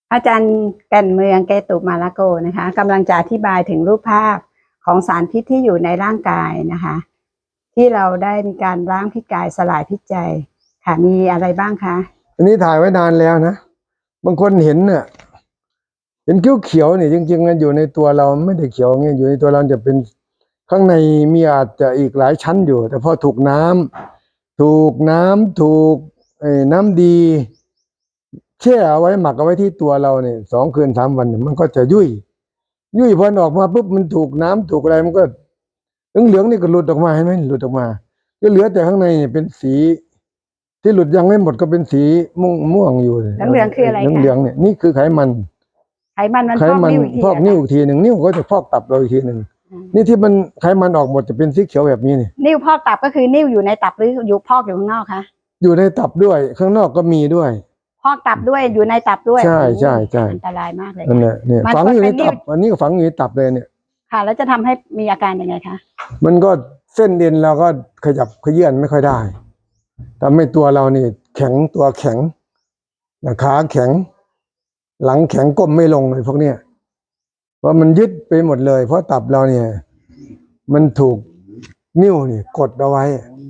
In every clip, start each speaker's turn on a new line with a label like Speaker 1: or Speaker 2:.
Speaker 1: อาจารย์แก่นเมืองเกตุมาลโกนะคะกำลังจะอธิบายถึงรูปภาพของสารพิษที่อยู่ในร่างกายนะคะที่เราได้มีการล้างพิษกายสลายพิษใจค่ะมีอะไรบ้างคะ
Speaker 2: อันนี้ถ่ายไว้นานแล้วนะบางคนเห็นเนี่ยเห็นเขียวๆเนี่ยจริงๆมันอยู่ในตัวเราไม่ได้เขียวเงี้ยอยู่ในตัวเราจะเป็นข้างในมีอาจจะอีกหลายชั้นอยู่แต่พอถูกน้ำถูกน้ำดีแช่เอาไว้หมักเอาไว้ที่ตัวเราเนี่ย2 คืน 3 วันมันก็จะยุ่ยพอออกมาปุ๊บมันถูกน้ำถูกอะไรมันก็เหลืองๆนี่ก็หลุดออกมาเห็นไหมหลุดออกมาก็เหลือแต่ข้างในเนี่ยเป็นสีที่หลุดยังไม่หมดก็เป็นสีม่วงอยู่
Speaker 1: เหลืองคืออะไรคะ
Speaker 2: เหลืองเนี่ยนี่คือไขมัน
Speaker 1: มันพอกนิ้วอีกที
Speaker 2: นิ้วอีกทีหนึ่งนิ้วก็จะพอกตับเราอีกทีหนึ่งนี่ที่มันไขมันออกหมดจะเป็นสีเขียวแบบนี้นี่
Speaker 1: นิ้วพอกตับก็คือนิ้วอยู่ในตับหรืออยู่พอกอยู่ข้างนอกคะ
Speaker 2: อยู่ในตับด้วยข้างนอกก็มีด้วย
Speaker 1: พอกตับด้วยอยู่ในตับด้วย
Speaker 2: ใช่
Speaker 1: อันตรายมากเลย
Speaker 2: นั่นแหละเนี่ยฝังอยู่ในตับอันนี้ก็ฝังอยู่ในตับเลยเนี่ย
Speaker 1: ค่ะแล้วจะทำให้มีอาการยังไงคะ
Speaker 2: มันก็เส้นเอ็นเราก็ขยับเขยื้อนไม่ค่อยได้ทำให้ตัวเรานี่แข็งตัวแข็งขาแข็งหลังแข็งก้มไม่ลงเลยพวกเนี้ยเพราะมันยึดไปหมดเลยเพราะตับเราเนี่ยมันถูกนิ้วนี่กดเอาไว้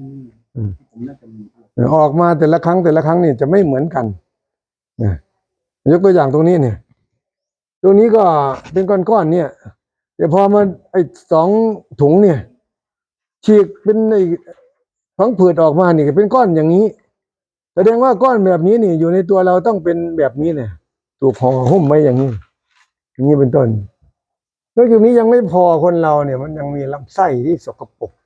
Speaker 2: ออกมาแต่ละครั้งนี่จะไม่เหมือนกันนะยกตัวอย่างตรงนี้เนี่ยตรงนี้ก็เป็นก้อนๆเนี่ยแต่พอมา2 ถุงเนี่ยฉีกเป็นพังผืดออกมานี่เป็นก้อนอย่างนี้แสดงว่าก้อนแบบนี้นี่อยู่ในตัวเราต้องเป็นแบบนี้เนี่ยถูกห่อหุ้มไว้อย่างนี้เป็นต้นนอกจากนี้ยังไม่พอคนเราเนี่ยมันยังมีลำไส้ที่สกปรก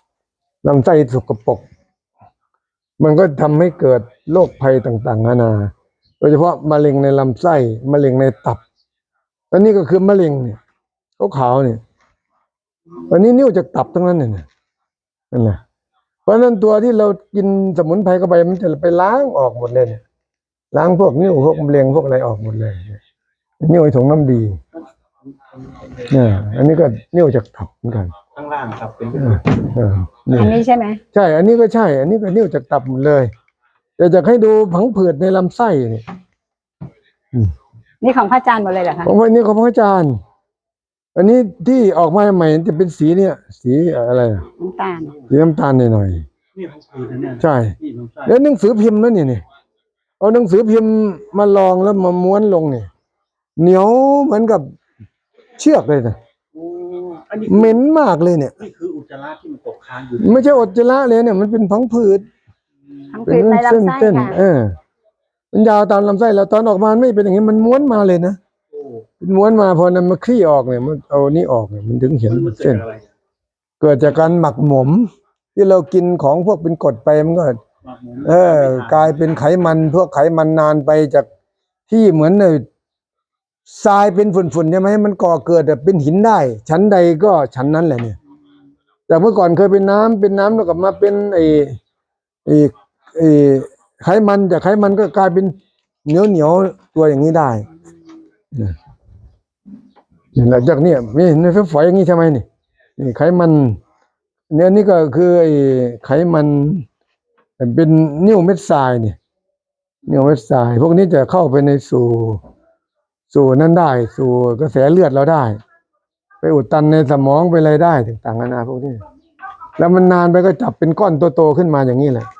Speaker 2: มันก็ทำให้เกิดโรคภัยต่างๆนานาโดยเฉพาะมะเร็งในลำไส้มะเร็งในตับอันนี้ก็คือมะเร็งเนี่ยขาวๆเนี่ยอันนี้นิ้วจากตับทั้งนั้นเนี่ยนั่นแหละเพราะฉะนั้นตัวที่เรากินสมุนไพรเข้าไปมันจะไปล้างออกหมดเลยเนี่ยล้างพวกนิ้วพวกมะเร็งพวกอะไรออกหมดเลยนิ้วไอ้ถุงน้ำดีเนี่ยอันนี้ก็นิ้วจากตับเหมือนกัน
Speaker 3: ข้างล่างครับเป็น
Speaker 1: อันนี้ใช่ไหม
Speaker 2: ใช่อันนี้ก็ใช่อันนี้ก็นิ้วจากตับหมดเลยแต่จะให้ดูผังผืดในลำไส้เนี่ย
Speaker 1: นี่ของพระอาจารย์หมดเลยเหรอคะ
Speaker 2: ของวันนี้ของพระอาจารย์อันนี้ที่ออกมาใหม่จะเป็นสีเนี่ยสีอะไร
Speaker 1: น้ำตาล
Speaker 2: สีน้ำตาลหน่อยใช่แล้วหนังสือพิมพ์นั่นนี่เอาหนังสือพิมพ์มาลองแล้วมาม้วนลงเนี่ยเหนียวเหมือนกับเชือกเลยนะเหม็นมากเลยเนี่ย
Speaker 3: นี่คืออุจจาระที่มันตกค้างอยู่
Speaker 2: ไม่ใช่อุจจาระเลยเนี่ยมันเป็นพังผืด
Speaker 1: ในลำไส้ค่ะ
Speaker 2: มันยาวตามลำไส้แล้วตอนออกมาไม่เป็นอย่างนี้มันม้วนมาเลยนะม้วนมาพอนำมาคลี่ออกเนี่ยมันเอานี่ออกเนี่ยมันถึงเห็นเส้นเกิดจากการหมักหมมที่เรากินของพวกเป็นกรดไปมันก็กลายเป็นไขมันพวกไขมันนานไปจากที่เหมือนทรายเป็นฝุ่นๆใช่ไหมมันก่อเกิดแบบเป็นหินได้ชั้นใดก็ชั้นนั้นแหละเนี่ยจากเมื่อก่อนเคยเป็นน้ำแล้วกลับมาเป็นไขมันจากไขมันก็กลายเป็นเหนียวตัวอย่างนี้ได้หลังจากนี้ไม่เห็นฝอยอย่างนี้ใช่ไหมนี่ไขมันเนี่ยนี่ก็คือไขมันเป็นนิ่วเม็ดทรายเนี่ยนิ่วเม็ดทรายพวกนี้จะเข้าไปในสู่นั้นได้สู่กระแสเลือดเราได้ไปอุดตันในสมองไปอะไรได้ต่างๆนานาพวกนี้แล้วมันนานไปก็จับเป็นก้อนโตๆขึ้นมาอย่างนี้แหละ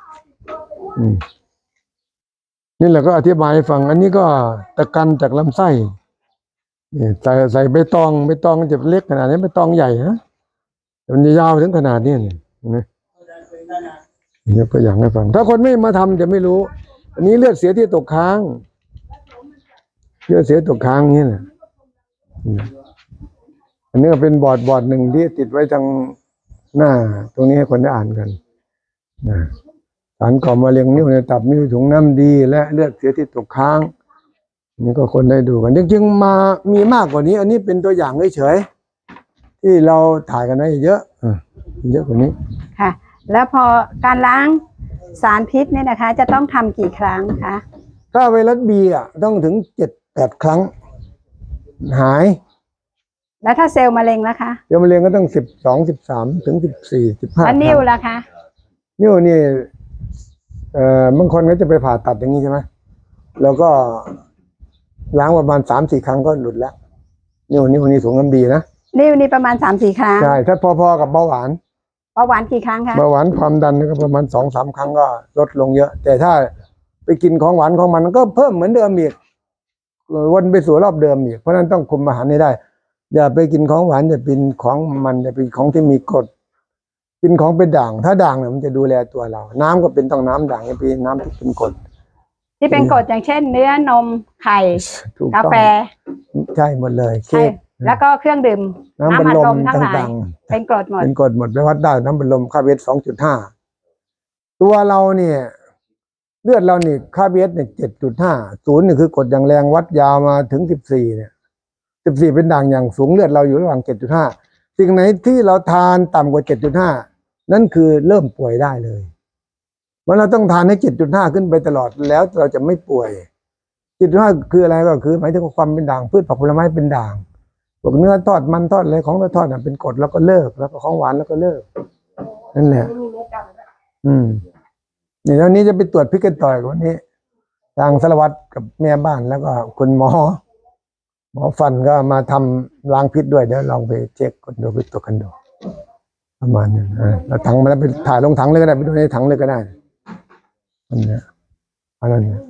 Speaker 2: นี่แหละก็อธิบายให้ฟังอันนี้ก็ตะกันจากลำไส้ใส่ใบตองจะเล็กขนาดนี้ใบตองใหญ่ฮะมันยาวถึงขนาดนี้เนี่ยนี่ก็อย่างให้ฟังถ้าคนไม่มาทำจะไม่รู้อันนี้เลือดเสียที่ตกค้างนี่แหละอันนี้ก็เป็นบอร์ดหนึ่งที่ติดไว้ทางหน้าตรงนี้ให้คนได้อ่านกันสารก่อมะเร็งนิ้วในตับนิ้วถุงน้ำดีและเลือดเสียที่ตกค้างนี่ก็คนได้ดูกันจริงๆมามีมากกว่านี้อันนี้เป็นตัวอย่างเฉยๆที่เราถ่ายกันไว้เยอะกว่านี้
Speaker 1: ค่ะแล้วพอการล้างสารพิษเนี่ยนะคะจะต้องทำกี่ครั้งคะ
Speaker 2: ถ้าไวรัสบีต้องถึง7-8 ครั้งหาย
Speaker 1: แล้วถ้าเซลล์มะเร็งล่ะคะ
Speaker 2: เซลล์มะเร็งก็ต้อง12-13ถึง14-15
Speaker 1: แล้วนิ้วล่ะคะ
Speaker 2: นิ้วนี่บางคนก็จะไปผ่าตัดอย่างนี้ใช่ไหมแล้วก็ล้างประมาณ3-4 ครั้งก็หลุดแล้วนิ้วสูงน้ำดีนะ
Speaker 1: นี่ประมาณ3-4 ครั้ง
Speaker 2: ใช่ถ้าพอๆกับเบาหวาน
Speaker 1: เบาหวานกี่ครั้งคะ
Speaker 2: เบาหวานความดันก็ประมาณ2-3 ครั้งก็ลดลงเยอะ แต่ถ้าไปกินของหวานของมันก็เพิ่มเหมือนเดิมอีกวนไปสู่รอบเดิมอีกเพราะฉะนั้นต้องคุมอาหารให้ได้ อย่าไปกินของหวานอย่ากินของมันอย่าไปของที่มีกรดกินของเป็นด่าง ถ้าด่างเนี่ยมันจะดูแลตัวเรา น้ำก็เป็นต้องน้ำด่างอย่าไปน้ำที่เป็นกรด
Speaker 1: ที่เป็นกรดอย่างเช่น เนื้อนมไข่
Speaker 2: ถูก
Speaker 1: กา
Speaker 2: ต้อง
Speaker 1: แฟ
Speaker 2: ใช่หมดเลย
Speaker 1: ใช่แล้วก็เครื่องดื่ม
Speaker 2: น้ำบัล
Speaker 1: อัด
Speaker 2: ล
Speaker 1: ล
Speaker 2: ม
Speaker 1: มทั้งหลาย
Speaker 2: ต่าง
Speaker 1: เป็นกรดหม
Speaker 2: ๆ
Speaker 1: ด
Speaker 2: เป็นกรดหมดไปวัดได้น้ำบัลลมค่าเวท2.5 ตัวเราเนี่ยเลือดเรานี่ค่าเวทเนี่ย7.5 0นี่คือกรดอย่างแรงวัดยาวมาถึง14เนี่ย14เป็นด่างอย่างสูงเลือดเราอยู่ระหว่าง7.5 สิ่งไหนที่เราทานต่ำกว่า7.5 นั่นคือเริ่มป่วยได้เลยมันเราต้องทานให้7.5 ขึ้นไปตลอดแล้วเราจะไม่ป่วย7.5 คืออะไรก็คือหมายถึงความเป็นด่างพืชผักผลไม้เป็นด่างพวกเนื้อทอดมันทอดอะไรของเราทอดเป็นกรดแล้วก็เลิกแล้วก็ของหวานแล้วก็เลิกนั่นแหละนี่แล้วนี้จะไปตรวจพิษกันต่อยวันนี้ทางสารวัตรกับแม่บ้านแล้วก็คุณหมอฟันก็มาทำล้างพิษด้วยเดี๋ยวลองไปเช็คกันดูไปตรวจกันดูประมาณนั้นแล้วถังมาแล้วไปถ่ายลงถังเลยก็ได้ไปดูในถังเลยก็ได้อันนี้